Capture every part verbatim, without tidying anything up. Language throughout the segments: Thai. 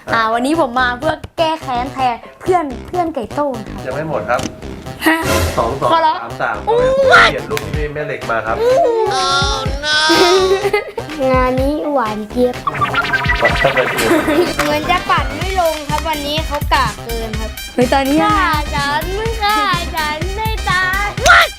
อ่าวันนี้ผมมาเพื่อแก้แค้นแทนเพื่อนเพื่อนไก่โต้งยังไม่หมดครับฮะสองสองขอร้องสามสามก็เปลี่ยนรูปที่แม่เหล็กมาครับงานนี้หวานเจี๊ยบปัดเข้าไปคือเหมือนจะปั่นไม่ลงครับวันนี้เขากากเกินครับเฮ้ยตอนนี้ฆ่าฉันไม่ฆ่าฉันไม่ตาย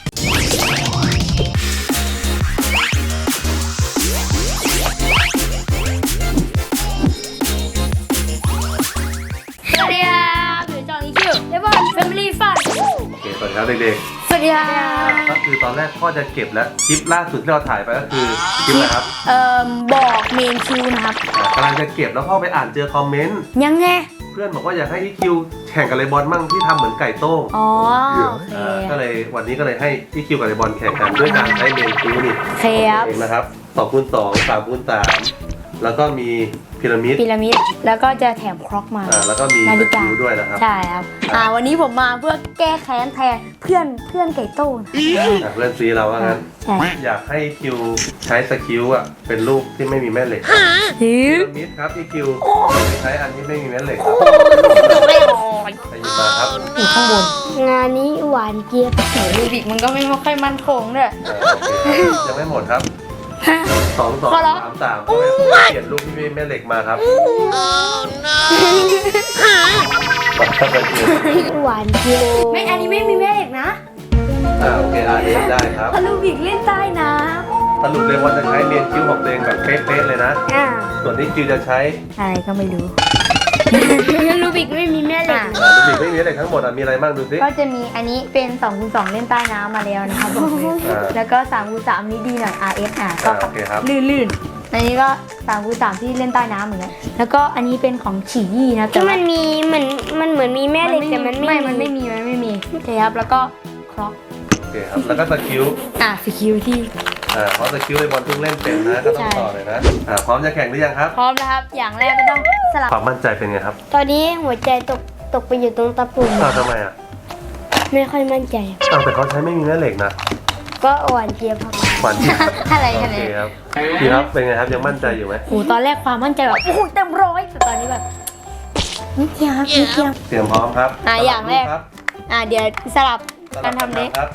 สวัสดีครับหนูจองอีคิวเดบอนแฟมิลี่ฟันโอเคสวัสดีครับเด็กสวัสดีค่ะๆก็คือตอนแรกพ่อจะเก็บแล้วคลิปล่าสุดที่เราถ่ายไปก็คือคลิปอะไรครับเอ่อบอกเมนคิวนะครับอ่ากำลังจะเก็บแล้วพ่อไปอ่านเจอคอมเมนต์ยังไงเพื่อนบอกว่าอยากให้อีคิวแข่งกับเลบอนมั่งที่ทำเหมือนไก่โต้งอ๋อโอเคอ่าก็เลยวันนี้ก็เลยให้อีคิวกับเลบอนแข่งกันด้วยการใช้เมนคิวนี่โอเคครับเองนะครับสองคูณสองสามคูณสามแล้วก็มีพีระมิดพีระมิดแล้วก็จะแถมครอกมาอ่าแล้วก็มีนาฬิสกากิลด้วยนะครับใช่ครับอ่าวันนี้ผมมาเพื่อแก้แค้นแทนเพื่อนเพื่อนไก่โต้งอ่ะเพื่อนซีเราว่างั้นใช่อยากให้คิวใช้สกิลอ่ะเป็นรูปที่ไม่มีแม่เหล็กฮึพีระมิดครับอีคิวใช้อันที่ไม่มีแม่เหล็กครับจบเลยโอ้ยไปหยิบมาครับอยู่ข้างบนงานนี้หวานเจี๊ยบโหลูบิกมันก็ไม่ค่อยมั่นคงด้วยอ่าโอเคครับยังไม่หมดครับฮะสองสองขอร้องสามสามก็เปลี่ยนรูปที่ไม่มีแม่เหล็กมาครับปัดเข้าไปคือหวานเจี๊ยบไม่อันนี้ไม่มีแม่เอกนะอ่าโอเคอ่านได้ครับเพราะลูบิกเล่นใต้น้สรุปเลยว่าจะใช้เมนคิวของตัวเองแบบเป๊ะๆเลยนะอ่าส่วนที่คิวจะใช้ำอะไรก็ไม่รู้ลูบิกไม่มีแม่เหล็กอ่ารูปไม่มีแม่เหล็กทั้งหมดอ่ะมีอะไรบ้างดูสิก็จะมีอันนี้เป็นสองคูณสองเล่นใต้น้ำมาแล้วนะครับผมอ่าแล้วก็สามคูณสามนี้ดีหน่อย อาร์ เอฟ อ่ะก็อ่าโอเคครับลื่นๆ อันนี้ก็สามคูณสามที่เล่นใต้น้ำเหมือนกันแล้วก็อันนี้เป็นของฉี่ยี่นะแต่ที่ว่ามันมีเหมือนมันเหมือนมีแม่เหล็กแต่มันไม่ไม่มันไม่มี มันไม่มีโอเคครับ แล้วก็ครอกโอเคครับแล้วก็สกิลอ่ะสกิลที่อ่าเพราะสกิลเลยบอลเพิ่งเล่นเป็นนะก็ต้องต่อเลยนะอ่าพร้อมจะแข่งหรือยังครับพร้อมแล้วครับ อย่างแรกก็ต้องสลับความมั่นใจเป็นไงครับตอนนี้หัวใจตกตกไปอยู่ตรงตะปุ่มอ้าวทำไมอ่ะไม่ค่อยมั่นใจอ้าวแต่เขาใช้ไม่มีแม่เหล็กนะก็หวานเจี๊ยบครับหวานจริงอะไรโอกันเคเนี่ยครับพี่ครับเป็นไงครับยังมั่นใจอยู่ไหมโอ้ตอนแรกความมั่นใจแบบโอ้โหเต็มร้อยแต่ตอนนี้แบบนิดเดียวครับนิดเดียวเตรียมพร้อมครับอ่าอย่างแรกครับอ่ะเดี๋ยวสลับสลัการบทำเด็กครับ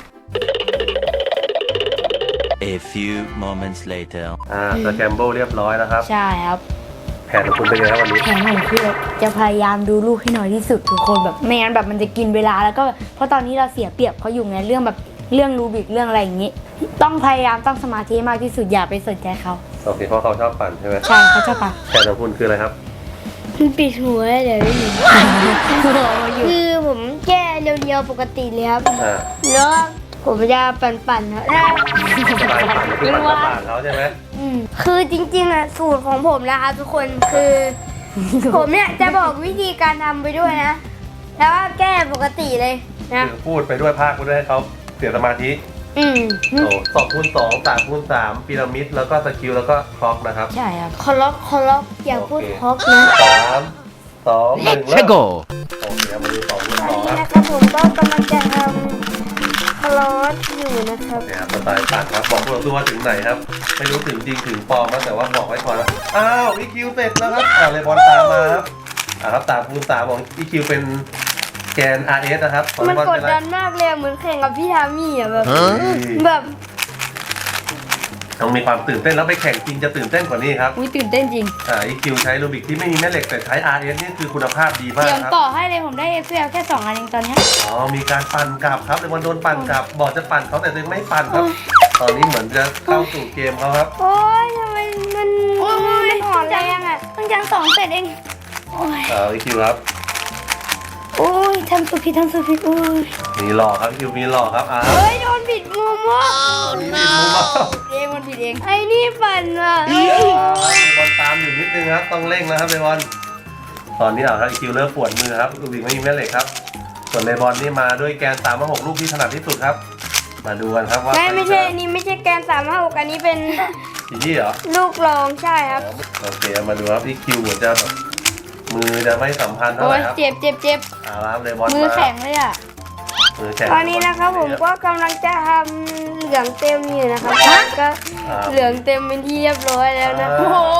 A few moments later. อ่าสแกมโบเรียบร้อยแล้วครับใช่ครับแผนของคุณเป็นไงครับวันนี้แผนของพี่จะพยายามดูลูกให้น้อยที่สุดทุกคนแบบไม่งั้นแบบมันจะกินเวลาแล้วก็แบบเพราะตอนนี้เราเสียเปรียบเขาอยู่ไงเรื่องแบบเรื่องรูบิกเรื่องอะไรอย่างงี้ ต้องพยายามตั้งสมาธิมากที่สุดอย่าไปสนใจเขาโอเคเพราะเขาชอบปั่นใช่ไหมใช่เขาชอบปะแผนของคุณคืออะไรครับมันปิดหัวเดี๋ยวไม่มีอยู่คือผมแก้เรียวๆปกติเลยครับอ่าแล้วผมจะปั่นๆครับถ้าสไตล์ปั่นก็คือปั่นกับปั่นเขาใช่ไหมอืมคือจริงๆอะสูตรของผมนะคะทุกคนคือ ผมเนี่ยจะบอกวิธีการทำไปด้วยนะ แล้วก็แก้ปกติเลยนะคือพูดไปด้วยภาคไปด้วยให้เขาเสียสมาธิอืมโอ้สองคูณสองสามคูณสามพีระมิดแล้วก็สกิลแล้วก็คล็อกนะครับใช่ครับคอล็อกคอล็อกอย่าพูดโอเคคอกนะสามสองหนึ่งเริ่ม Go. โอเคมาดูสองคูณตสออน งนี้ครับนะครับผมก็กำลังจะทำคอล็อกอยู่นะครับเนี่ยครับสไตล์ปั่นครับบอกพวกเราด้วยว่าถึงไหนครับ ไม่รู้ถึงจริงถึงปลอมนะแต่ว่าบอกไว้ก่อนนะอ้าวอีคิวเสร็จแล้วครับอ่าเลยบอลตามมาครับอ่าครับสามคูณสามของอีคิวเป็นแกน อาร์ เอส นะครับของมันเลบอลกดเป็นอะไรดันมากเลยอะเหมือนแข่งกับพี่ทามี่อะแบบ Huh? แบบต้องมีความตื่นเต้นแล้วไปแข่งจริงจะตื่นเต้นกว่านี้ครับอุ้ยตื่นเต้นจริงอ่าอีคิวใช้รูบิกที่ไม่มีแม่เหล็กแต่ใช้ อาร์ เอส นี่คือคุณภาพดีมากเตรียมครับต่อให้เลยผมได้เอฟเอลแค่สองอันเองตอนเนี้ยอ๋อ มีการปั่นกลับครับเลบอลโดนปั่นกลับ บอกจะปั่นเขาแต่ตัวเองไม่ปั่นครับ ตอนนี้เหมือนจะเข้าสู่เกมเขาครับโอ๊ยทำไมมันมันอ่อนแรงอะเพิ่งจะสองเสร็จเองโอ้ยอ่าอีคิวครับโอ้ยทำสุดผิดทำสุดผิดโอ้ยมีหลอกครับอีคิวมีหลอกครับอ้าวเฮ้ยโดนบิดมุมว่ะมีบิดมุมอ่ะเองมันผิดเองไอ้นี่ปั่นอ่ะเลบอลตามอยู่นิดนึงครับ ต้องเร่งนะครับเลบอลตอนนี้เอาครับอีคิวเริ่มปวดมือครับรูบิกไม่มีแม่เหล็กครับ ส่วนเลบอลนี่มาด้วยแกนสามมาหกลูกที่ถนัดที่สุดครับ มาดูกันครับว่าไม่ไม่ใช่อันนี้ไม่ใช่แกนสามห้าหกอันนี้เป็นจีจี้เหรอลูกรองใช่ครับโอเคมาดูครับอีคิวเหมือนจะแบบมือจะไม่สัมพันธ์เท่าโอ้ไหยร่ครับเจ็บเจ็บเจ็บเอาละครับเลบอลมือมาแข็งเลยอ่ะมือแข็งตอนนี้นะครับผมก็กำลังจะทำเหลืองเต็มอยู่นะครับก็อ่าเหลืองเต็มเป็นที่เรียบร้อยแล้วนะอ่าโอ้โห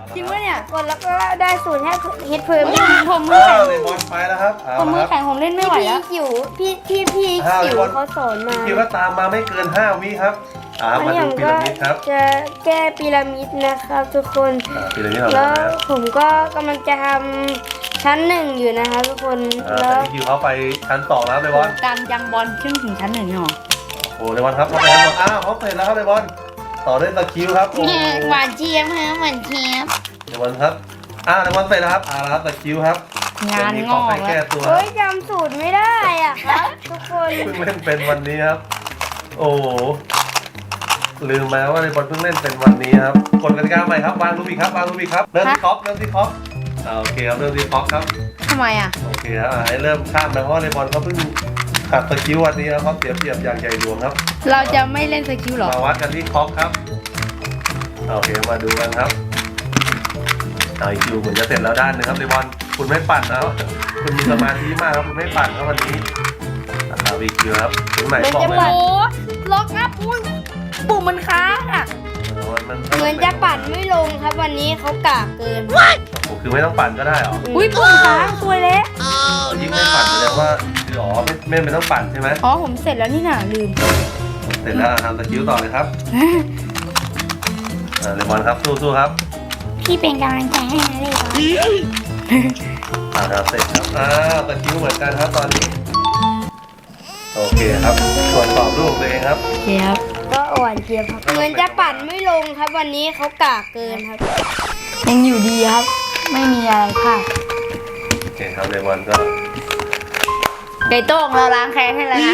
จริงปะเนี่ยกดแล้วก็ได้สูตรให้เฮ็ดเพิ่มผมมืออ้าแข็วงเลบอนไปแล้วครับเอาผมมืละอครับแข็งผมเล่นไม่ไหวพี่แล้วจิ๋วพี่พี่พี่อ้าวจิ๋วเลบอนเขาสอนมาคิดว่าตามมาไม่เกินห้าวิครับอ่าอันมานี้ดูผมพีก็ระมิดครับจะแก้พีระมิดนะครับทุกคนอ่าพีระมิดของแล้เราวนะผมก็กำลังจะทำชั้นหนึ่งอยู่นะครับทุกคนอ่าแล้แต่วอีคิวเขาไปชั้นสองแล้วเลบอนการยังบอลขึ้นถึงชั้นหนึ่งหรอโอ้เลบอนครับเขาไปชั้นสองอ้าวเขาเสร็จแล้วครับเลบอนต่อด้วยสกิลครับโอ้หวานเจี๊ยบฮะหวานเจี๊ยบเลบอนครับอ่าเลบอนเสร็จแล้วครับอ่าแล้วครับสกิลครับงานจะมีงขออง กไปแล้แก้วตัวเฮ้ยจำสูตรไม่ได้อ่ะครับทุกคนเพิ่งเล่นเป็นวันนี้ครับ โอ้โหลืมมาว่าเลบอนเพิ่งเล่นเป็นวันนี้ครับกฎกติกาใหม่ครับวางลูบิกครับวางลูบิกครับเริ่มที่คอปเริ่มที่คอปอ่าโอเคครับเริ่มที่คอปครับทำไมอ่ะโอเคครับอ่าให้เริ่มข้ามนะเพราะว่าเลบอนเขาเพิ่งขัดสกิลวันนี้ครับเขาเสียเปรียบอย่างใหญ่หลวงครับเราจะไม่เล่นสกิลหรอมาวัดกันที่คอปครับโอเคมาดูกันครับเอาอีคิวเหมือนจะเสร็จแล้วด้านหนึงครับเลบอนคุณไม่ปั่นนะคุณมีสมาธิมากครับคุณไม่ปั่นครับวันนี้เอาอีคิวครับถึงไหนบอกเลยมันจะปั่นะนล็อกอัพอุ้ยปุ่มมันค้างอ่ะเออมันเหมือนจะปั่นไม่ลงครับวันนี้เขากากเกินโอ้โหคือไม่ต้องปั่นก็ได้เหรออุ้ยปุ่มค้างสวยแล้วยิ่งไม่ปั่นแสดงว่าคืออ๋อไม่ไม่ไม่ต้องปั่นใช่ไหมอ๋อผมเสร็จแล้วนี่น่ะลืมเสร็จแล้วทำสกิลต่อเลยครับอ่าเลมอนครับสู้ๆครับพี่เป็นกำลังใจให้นะเลยอ่าครับเสร็จครับอ้าวสกิลเหมือนกันครับตอนนี้โอเคครับตรวจสอบรูปตัวเองครับโอเคครับก็อ่อนเกียบครับเหมือนจะปั่นไม่ลงครับวันนี้เขากากเกินครับยังอยู่ดีครับ ไม่มีอะไรพลาดโอเคครับเลมอนก็ไก่โต้งเราล้างแค้นให้แล้วนะ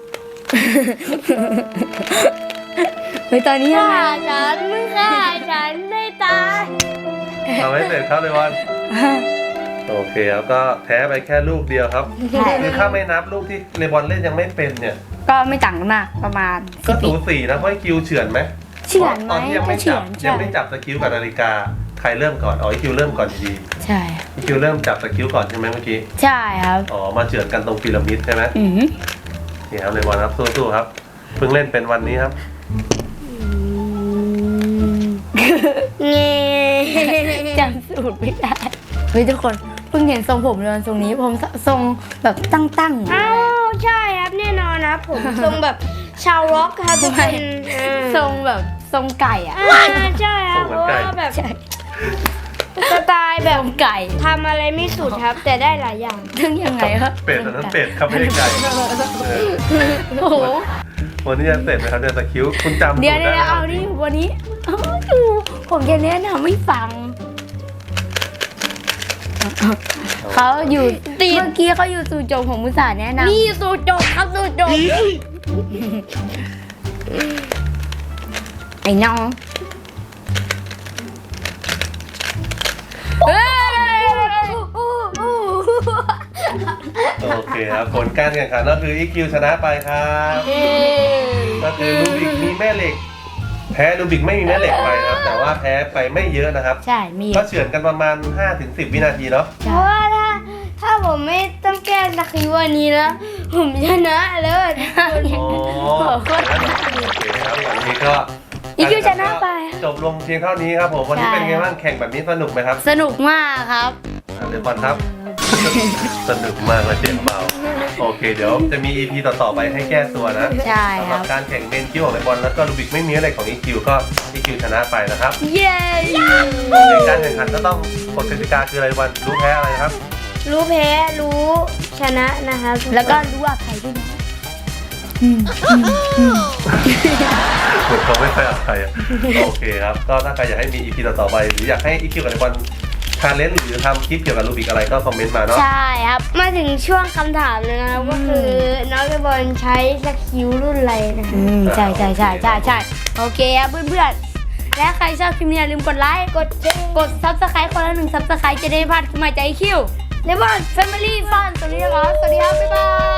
เฮ้ยตอนนี้ยังฆ่าไงฉันมึงฆ่าฉันได้ตายทำให้เสร็จครับเลมอนโอเคครับก็แพ้ไปแค่ลูกเดียวครับใช่คือถ้าไม่นับลูกที่เลมอนเล่นยังไม่เป็นเนี่ยก็ไม่ต่างกันมากประมาณก็สิบสูวิสีนะเพราะไอ้คิวเฉือนไหมเฉือนไหมตอนที่ยังไม่ก็เฉืจัอบ นใช่ยังไม่จับสกิลกับนาฬิกาใครเริ่มก่อนอ๋อไอคิวเริ่มก่อนดีใช่ไอคิวเริ่มจับสกิลก่อนใช่ไหมเมื่อกี้ใช่ครับอ๋อมาเฉือนกันตรงพีระมิดใช่ไหมอือนี่ครับเลมอนครับสู้ๆครับเพิ่งเล่นเป็นวันนี้ครับเงี้จำสูตรไม่ได้เฮ้ยทุกคนเพิ่งเห็นทรงผมเลยทรงนี้ผมทรงแบบตั้งๆอ้าวใช่ครับแน่นอนนะผมทรงแบบชาวร็อกครับทุกคนอ่าทรงแบบทรงไก่อ่ะอ่าใช่ครับเพราะว่าแบบใช่สไตล์แบบทรงไก่ทำอะไรไม่สุดครับ แต่ได้หลายอย่างทั้งยังไงครับเป็ดอันนั้นเป็ดครับไม่ได้ไก่เออโอ้โหวันนี้จะเสร็จไหมครับเนี่ยสกิลคุณจำเดี๋ยวสูตรเดี๋ยวได้เอาดิวันนี้เอาดูผมจะแนะนำไม่ฟังเขาอยู่ตีเมื่อกี้เขาอยู่สู่โจงของมุสาแนะนำนี่สูตรจบครับสูตรจบไอ้น้องเฮ้ยโอเคครับผลการแข่งขันก็คืออีคิวชนะไปครับก็คือลูบิกมีแม่เหล็ก แพ้ลูบิกไม่มีแม่เหล็กไปนะครับแต่ว่าแพ้ไปไม่เยอะนะครับใช่มีก็เฉือนกันประมาณ ห้าถึงสิบ วินาทีเนาะเพราะว่าถ้าถ้าผมไม่ต้องแก้สกิลวันนี้นะผมชนะเลยอ๋อโอเคครับวันนี้ก็อีคิวชนะไปจบลงเพียงเท่านี้ครับผมวันนี้เป็นไงบ้างแข่งแบบนี้สนุกไหมครับสนุกมากครับอ่ะเดี๋ยวบอลครับ สนุกมากและเจ็บเบาโอเคเดี๋ยวจะมี อี พี ต่อๆไปให้แก้ตัวนะใช่สำหครัรับบ การแข่งเมนคิวของเลบอนแล้วก็ลูบิกไม่มีอะไรของ อี คิว ก็ อี คิว ชนะไปนะครับเย้ในการแข่งขันก็ต้องกฎกติกาคืออะไรวันรู้แพ้อะไรครับรู้แพ้รู้ชนะนะครับแล้วก็รู้ว่าใครด้วยนะเหมือนเขาไม่ค่อยเอาใครอ่ะโอเคครับก็ถ้าใครอยากให้มี อี พี ต่อๆไปหรืออยากให้ อี คิว กับเลบอนชาเลนจ์หรือทำคลิปเกี่ยวกับลูบิกอะไรก็คอมเมนต์มาเนาะใช่ครับมาถึงช่วงคำถามเลยนะครับก็คือน้องเรบอลใช้สกิลรุ่นอะไรนะครัอืบมใช่ใช่ใช่ใช่ใช่โอเคครับเพื่อนๆ และใครชอบคลิปนี้อย่าลืมกดไลค์กดแชร์กดซับสไครต์คนละหนึ่งซับสไครต์จะได้ไม่พลาดคลิปใหม่จากไอคิวเลบอนแฟมิลี่ฟันสวัสดีครับสวัสดีครับบ๊ายบาย